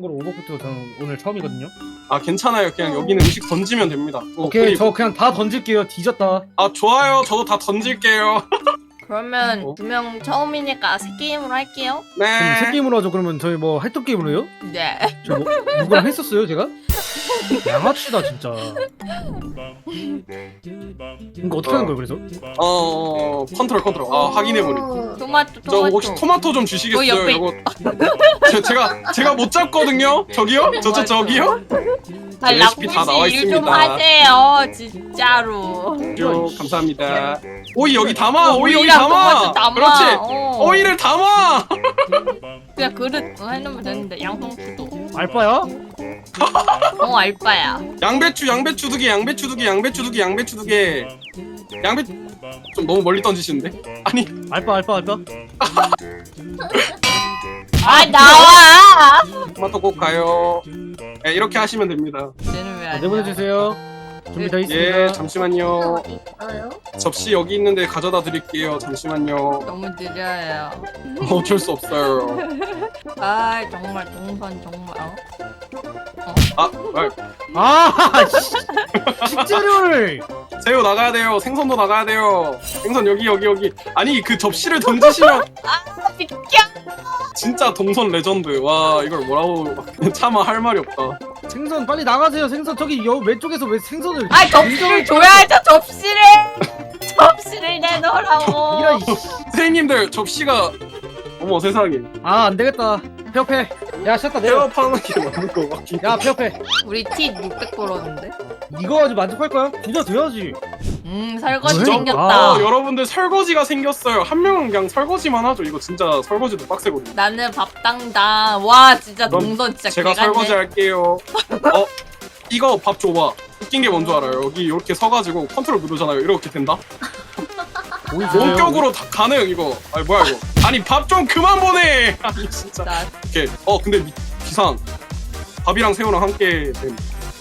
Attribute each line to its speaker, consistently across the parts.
Speaker 1: 참고로 오버쿠트 저는 오늘 처음이거든요.
Speaker 2: 아 괜찮아요. 그냥 여기는 음식 던지면 됩니다.
Speaker 1: 오케이,
Speaker 2: 그리고-
Speaker 1: 저 그냥 다 던질게요. 뒤졌다.
Speaker 2: 아 좋아요. 저도 다 던질게요.
Speaker 3: 그러면 두 명 처음이니까 새 게임으로 할게요.
Speaker 1: 그럼 새
Speaker 2: 네.
Speaker 1: 게임으로 하죠. 그러면 저희 뭐 활동 게임으로 해요?
Speaker 3: 네.
Speaker 1: 저 뭐, 누구랑 했었어요, 제가? 양아치다 진짜. 이거 어떻게 하는 거예요, 그래서?
Speaker 2: 컨트롤. 아 확인해보니.
Speaker 3: 토마토.
Speaker 2: 저 혹시 토마토 좀 주시겠어요?
Speaker 3: 옆에
Speaker 2: 이거 제가 못 잡거든요. 저기요? 저기요?
Speaker 3: 아,
Speaker 2: 레시피 다 나와
Speaker 3: 락무씨 일좀
Speaker 2: 있습니다.
Speaker 3: 하세요, 진짜로.
Speaker 2: 쭉 감사합니다. 오이 여기 담아. 오이 여기
Speaker 3: 오이랑
Speaker 2: 담아.
Speaker 3: 토마토 담아.
Speaker 2: 그렇지.
Speaker 3: 어.
Speaker 2: 오이를 담아.
Speaker 3: 그냥 그릇 해놓으면 되는데 양상추도.
Speaker 1: 알바야?
Speaker 3: 알바야.
Speaker 2: 양배추 두 개. 양배추 두 개. 좀 너무 멀리 던지시는데? 아니
Speaker 1: 알바.
Speaker 3: 아 나와.
Speaker 2: 토마토 꼭 가요. 네, 이렇게 하시면 됩니다.
Speaker 3: 쟤는 왜안
Speaker 1: 내보내주세요. 준비되어 있습니다.
Speaker 2: 예, 잠시만요.
Speaker 4: 어디 있어요?
Speaker 2: 접시 여기 있는데 가져다 드릴게요. 잠시만요.
Speaker 3: 너무 느려요.
Speaker 2: 어쩔 수 없어요.
Speaker 3: 아 정말 동선 정말.
Speaker 2: 아,
Speaker 1: 아, 식재료를.
Speaker 2: 새우 나가야 돼요. 생선도 나가야 돼요. 생선 여기. 아니 그 접시를 던지시면
Speaker 3: 비켜.
Speaker 2: 진짜 동선 레전드. 와 이걸 뭐라고 차마 할 말이 없다.
Speaker 1: 생선 빨리 나가세요. 생선 저기 왼쪽에서 왜 생선을?
Speaker 3: 아 접시를 줘야죠. 접시를 내놓으라고.
Speaker 1: 이런.
Speaker 2: 선생님들 접시가 어머 세상에
Speaker 1: 안 되겠다. 폐업해. 야, 셨다 내려.
Speaker 2: 태업하는 게 맞는 거 같긴.
Speaker 1: 야, 폐업해.
Speaker 3: 우리 티 600 벌었는데.
Speaker 1: 이거 가지고 만족할 거야? 부자 돼야지.
Speaker 3: 설거지
Speaker 1: 왜?
Speaker 3: 생겼다.
Speaker 2: 여러분들 설거지가 생겼어요. 한 명은 그냥 설거지만 하죠. 이거 진짜 설거지도 빡세거든요.
Speaker 3: 나는 밥당당. 와 진짜
Speaker 2: 그럼
Speaker 3: 동선 진짜
Speaker 2: 제가
Speaker 3: 개같네.
Speaker 2: 설거지 할게요. 이거 밥 줘봐. 웃긴 게 뭔 줄 알아요? 여기 이렇게 서가지고 컨트롤 누르잖아요. 이렇게 된다?
Speaker 1: 오이 주세요.
Speaker 2: 원격으로 다 가능 이거. 아니 뭐야 이거? 아니 밥 좀 그만 보내. 아니 진짜.
Speaker 3: 나
Speaker 2: 이렇게 근데 기상 밥이랑 새우랑 함께 된.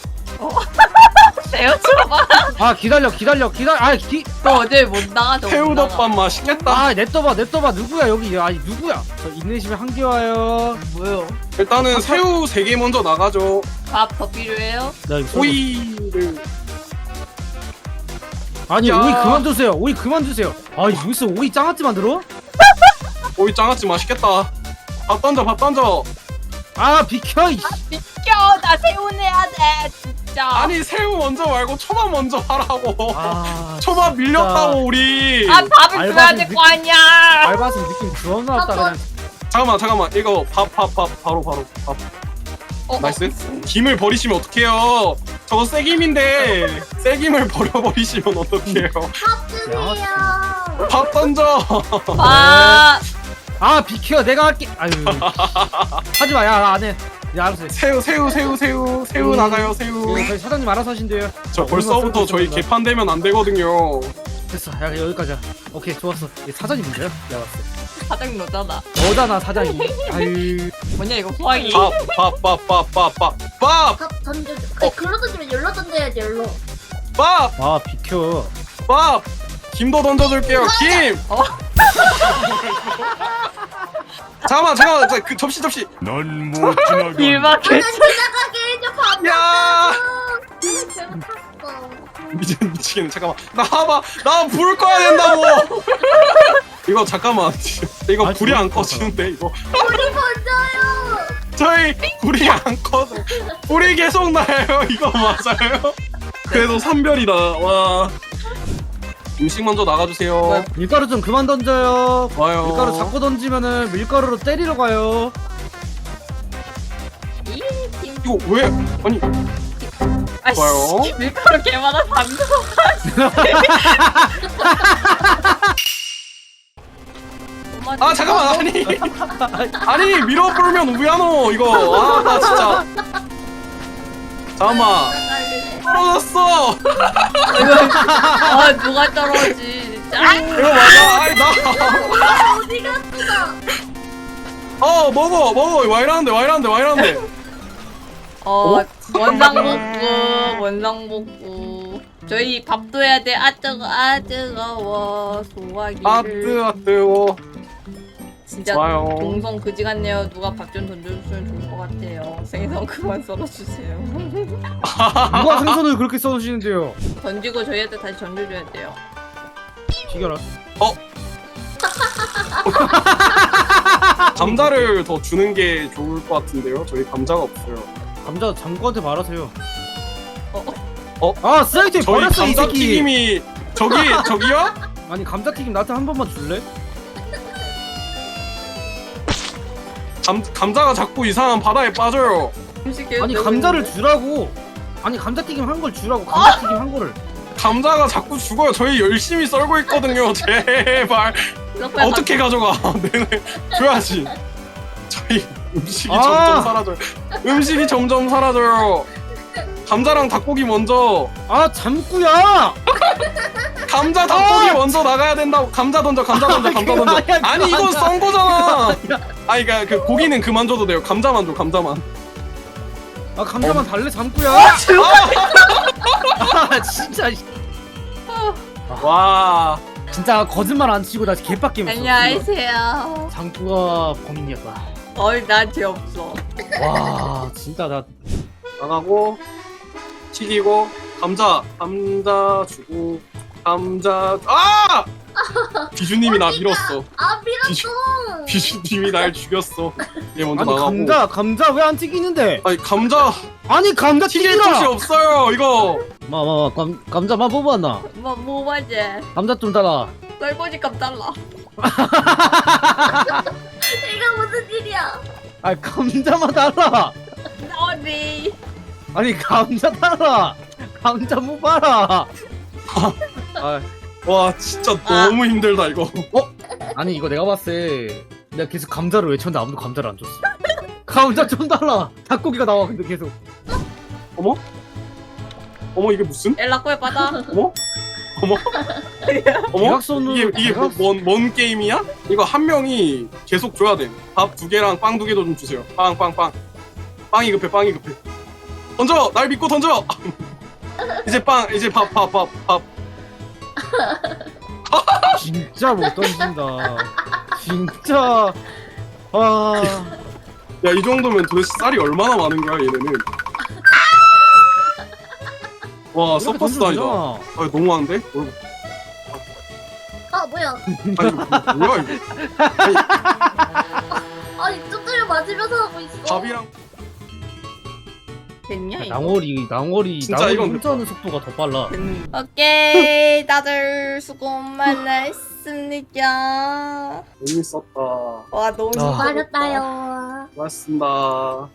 Speaker 3: 새우 줘봐.
Speaker 1: 아, 기다려.
Speaker 3: 너 어제 못 나가. 너 못 나가.
Speaker 2: 새우덮밥 맛있겠다.
Speaker 1: 냅둬봐. 누구야 여기? 아니 누구야? 저 인내심에 한개 와요.
Speaker 3: 뭐요?
Speaker 2: 일단은 새우 3개 먼저 나가죠.
Speaker 3: 밥 더 필요해요?
Speaker 1: 나 이거
Speaker 2: 오이를
Speaker 1: 아니
Speaker 2: 야.
Speaker 1: 오이 그만 주세요. 아, 여기서 오이 장아찌 만들어?
Speaker 2: 오이 장아찌 맛있겠다. 밥 던져.
Speaker 1: 아, 비켜.
Speaker 3: 비켜. 나 새우 내야 돼. 진짜.
Speaker 2: 아니 새우 먼저 말고 초밥 먼저 하라고.
Speaker 1: 아,
Speaker 2: 초밥 밀렸다고 우리.
Speaker 3: 밥을 줘야
Speaker 1: 알바생
Speaker 3: 될 거 아니야.
Speaker 1: 알바생 느낌 존나 없다 그냥.
Speaker 2: 잠깐만 이거 밥 바로 밥. 나이스. 김을 버리시면 어떡해요? 저거 쇠김인데 쇠김을 버려버리시면 어떡해요?
Speaker 4: 밥 주세요.
Speaker 2: 밥 던져.
Speaker 3: 밥.
Speaker 1: 아, 비켜. 내가 할게. 아유. 하지 마. 야, 나 안 해. 야, 알았어.
Speaker 2: 새우 나가요 새우.
Speaker 1: 저희 사장님 알아서 하신대요.
Speaker 2: 저 벌써부터 저희 개판되면 안 되거든요.
Speaker 1: 됐어. 야, 여기까지야. 오케이, 좋았어. 이게 사장님 문제야? 내가 봤을 때.
Speaker 3: 사장 너잖아.
Speaker 1: 너잖아, 사장이. 아유.
Speaker 3: 뭐냐 이거 포항이.
Speaker 2: 밥
Speaker 4: 밥 던져줘. 글로 던지면 열로 던져야지 열로.
Speaker 1: 아, 비켜.
Speaker 2: 김도 던져줄게요. 김. 잠깐만 그 접시.
Speaker 5: 넌 못 지나가.
Speaker 3: 일밖에.
Speaker 4: 나는 지나가게 해줘 밥.
Speaker 2: 야
Speaker 4: 배가 탔어.
Speaker 2: 미치겠네. 잠깐만 나 불 꺼야 된다고. 이거 잠깐만 이거
Speaker 1: 아니,
Speaker 2: 불이 안
Speaker 1: 그거
Speaker 2: 꺼지는데 이거
Speaker 4: 우리 먼저요.
Speaker 2: 저희 불이 안 꺼져. 불이 계속 나요. 이거 맞아요? 그래도 산별이다. 와 음식 먼저 나가주세요.
Speaker 1: 밀가루 좀 그만 던져요.
Speaker 2: 와요.
Speaker 1: 밀가루 자꾸 던지면은 밀가루로 때리러 가요.
Speaker 2: 이거 왜 아니 좋아요.
Speaker 3: 아씨 밀가루 개많아 담겨.
Speaker 2: 잠깐만 아니 밀어불면 우야노 이거. 나 진짜 잠깐만 떨어졌어.
Speaker 3: 누가 떨어지 진짜.
Speaker 2: 이거 맞아. 아니 나
Speaker 4: 어디 갔어?
Speaker 2: 먹어 와 이러는데
Speaker 3: 원상복구. 저희 밥도 해야 돼. 뜨거워 소화기를.
Speaker 2: 뜨거
Speaker 3: 진짜
Speaker 2: 좋아요.
Speaker 3: 동성 그지 같네요. 누가 밥 좀 던져주시면 좋을 것 같아요. 생선 그만 썰어주세요.
Speaker 1: 누가 생선을 그렇게 써주시는데요?
Speaker 3: 던지고 저희한테 다시 던져줘야 돼요.
Speaker 1: 비결아.
Speaker 2: 감자를 더 주는 게 좋을 것 같은데요. 저희 감자가 없어요.
Speaker 1: 감자 장구한테 말하세요.
Speaker 3: 어?
Speaker 1: 아 쓰레기통에
Speaker 2: 저희
Speaker 1: 버렸어 이 새끼.
Speaker 2: 감자튀김이 저기요?
Speaker 1: 아니 감자튀김 나한테 한 번만 줄래?
Speaker 2: 감자가 자꾸 이상한 바다에 빠져요.
Speaker 3: 음식 계속
Speaker 1: 아니
Speaker 3: 내고
Speaker 1: 감자를
Speaker 3: 있는데?
Speaker 1: 주라고. 아니 감자튀김 한 걸 주라고. 감자튀김 한 거를.
Speaker 2: 감자가 자꾸 죽어요. 저희 열심히 썰고 있거든요. 제발
Speaker 3: 이렇게 빨리
Speaker 2: 어떻게 가져가? 네네 줘야지. 저희 음식이
Speaker 1: 아!
Speaker 2: 점점 사라져요. 음식이 점점 사라져요. 감자랑 닭고기 먼저.
Speaker 1: 아 잠구야.
Speaker 2: 감자 닭고기 먼저 나가야 된다고. 감자 던져. 감자 던져. 감자 던져.
Speaker 1: 아니야,
Speaker 2: 아니 이건
Speaker 1: 감자.
Speaker 2: 썬 거잖아. 아니 그러니까 그 고기는 그만 줘도 돼요. 감자만 줘. 감자만.
Speaker 1: 아 감자만 달래 잠구야. 아 진짜
Speaker 2: 와.
Speaker 1: 진짜 거짓말 안 치고 나 개빡게 했어.
Speaker 3: 안녕하세요.
Speaker 1: 장구가 범인이었다.
Speaker 3: 나 죄 없어.
Speaker 1: 와 진짜 나
Speaker 2: 나가고 튀기고 감자 주고 감자 비주님이 나 밀었어.
Speaker 4: 아 밀었어.
Speaker 2: 비주님이 날 죽였어. 얘 먼저
Speaker 1: 아니
Speaker 2: 나가고.
Speaker 1: 감자 왜 안 튀기는데?
Speaker 2: 아니 감자
Speaker 1: 아니 감자
Speaker 2: 튀길 곳이
Speaker 1: 튀기라.
Speaker 2: 없어요 이거.
Speaker 1: 마마 감자만 뽑았나?
Speaker 3: 뭐 맞지?
Speaker 1: 감자 좀 달라.
Speaker 3: 썰고지 값 달라.
Speaker 4: 이거 무슨 일이야?
Speaker 1: 아니 감자만 달라.
Speaker 3: 어디?
Speaker 1: 아니 감자 달라. 감자 못 봐라. 아,
Speaker 2: 와 진짜 너무 힘들다 이거.
Speaker 1: 아니 이거 내가 봤을 때 내가 계속 감자를 외쳤는데 아무도 감자를 안 줬어. 감자 좀 달라. 닭고기가 나와 근데 계속.
Speaker 2: 어머 이게 무슨?
Speaker 3: 엘라코에 받아.
Speaker 2: 어머
Speaker 1: 대각선으로
Speaker 2: 이게 뭔 게임이야? 이거 한 명이 계속 줘야 돼. 밥 2개랑 빵 2개도 좀 주세요. 빵. 빵이 급해. 던져. 날 믿고 던져. 이제 밥.
Speaker 1: 진짜 못 던진다. 진짜. 아.
Speaker 2: 야 이 정도면 도대체 쌀이 얼마나 많은 거야 얘네는. 와
Speaker 1: 이렇게
Speaker 2: 서커스
Speaker 1: 던져도
Speaker 2: 다니다.
Speaker 1: 되잖아.
Speaker 2: 아 너무한데?
Speaker 4: 아 뭐야?
Speaker 2: 아니 이거 뭐야 이거?
Speaker 4: 아니 쭈쭈를 맞으면서 하고 있어.
Speaker 2: 밥이랑
Speaker 3: 됐냐 이거?
Speaker 1: 낭월이
Speaker 2: 진짜 이건
Speaker 1: 혼자하는 속도가 더 빨라.
Speaker 3: 오케이 다들 수고 많으셨습니다.
Speaker 2: 재밌었다.
Speaker 3: 와 너무
Speaker 1: 아.
Speaker 4: 수고하셨다요.
Speaker 2: 고맙습니다.